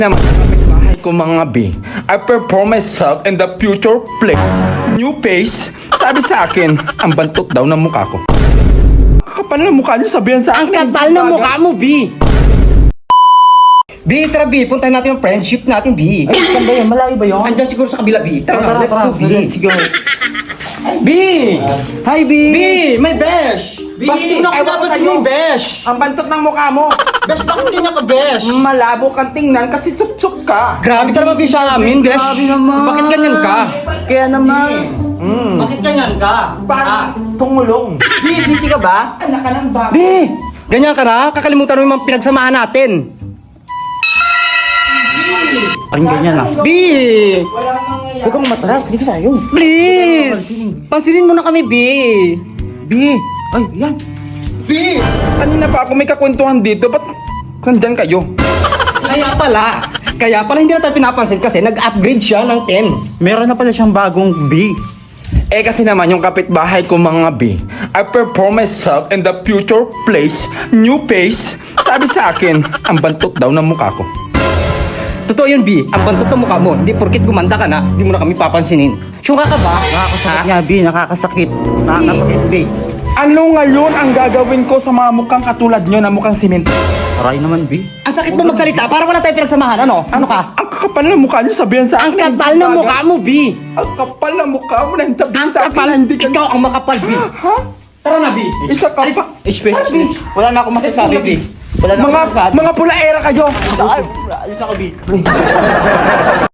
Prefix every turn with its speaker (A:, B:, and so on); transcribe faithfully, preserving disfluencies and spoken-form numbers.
A: Naman ang kapitbahay ko mga B. I perform myself in the future place. New face. Sabi sa akin, ang bantot daw ng mukha ko. Kapal na mukha niyo, sabihan sa
B: Ang
A: akin.
B: kapal ng mukha mo, B! B, tara B, puntahan natin yung friendship natin, B.
C: Ay, saan ba yun? Malayo ba yun?
B: Andyan siguro sa kabila, B. Tara,
C: Tara,
B: na, let's
C: tara,
B: go, B.
C: let's go.
B: B!
C: Hi, B!
B: B, may besh!
C: B,
B: Bakit di mo
C: ewan ko
B: napapansin
C: sa'yo.
B: yung besh?
A: Ang bantot ng mukha mo.
B: Besh, bakit hindi niya ka besh?
A: Malabo kang tingnan kasi sup-sup ka.
B: Grabe ka naman, B, sa amin, besh.
C: Grabe naman.
B: Bakit ganyan ka?
C: Kaya naman.
B: Bakit ganyan ka?
A: Parang tungulong.
C: B, busy ka ba?
A: Anak ka ng bago.
B: B, ganyan ka na? Kakalimutan mo yung mga pinagsamahan natin.
C: Parang ganyan ah.
B: B!
C: Huwag kang matras, dito tayo.
B: Please! Pansinin mo na kami, B!
C: B! Ay, yan.
A: B! Kanina pa ako may kakwentuhan dito. Ba't nandyan kayo?
B: Kaya pala, kaya pala hindi na tayo pinapansin kasi nag-upgrade siya ng ten.
C: Meron na pala siyang bagong B.
A: Eh kasi naman yung kapitbahay ko mga B. I perform myself in the future place. New face. Sabi sa akin, ang bantot daw ng mukha ko.
B: Totoo yun, B. Ang bantot ng mukha mo. Hindi porkit gumanda ka na, hindi mo na kami papansinin. Syunga ka ba?
C: Nakakasakit nga, B. Nakakasakit. Nakakasakit, B.
A: Ano ngayon ang gagawin ko sa mga mukhang katulad nyo na mukhang simento?
C: Aray naman, B.
B: Ang sakit mo magsalita, para wala tayong pinagsamahan. Ano? Ano ka?
A: Ang kakapal ng mukha nyo, sabihan sa
B: Ang
A: akin.
B: kapal ng mukha mo, B.
A: Ang kapal ng mukha mo na hintabi
B: Ang
A: sa akin.
B: kapal,
A: Hindi ka...
B: ikaw ang makapal, B.
A: Ha?
B: Tara na, B.
A: Isa ka pa.
C: H P. Wala na akong masasabi, B. Wala na akong
A: Mga,
C: masasabi.
A: mga pula era kayo.
C: Ay, alis ako, B.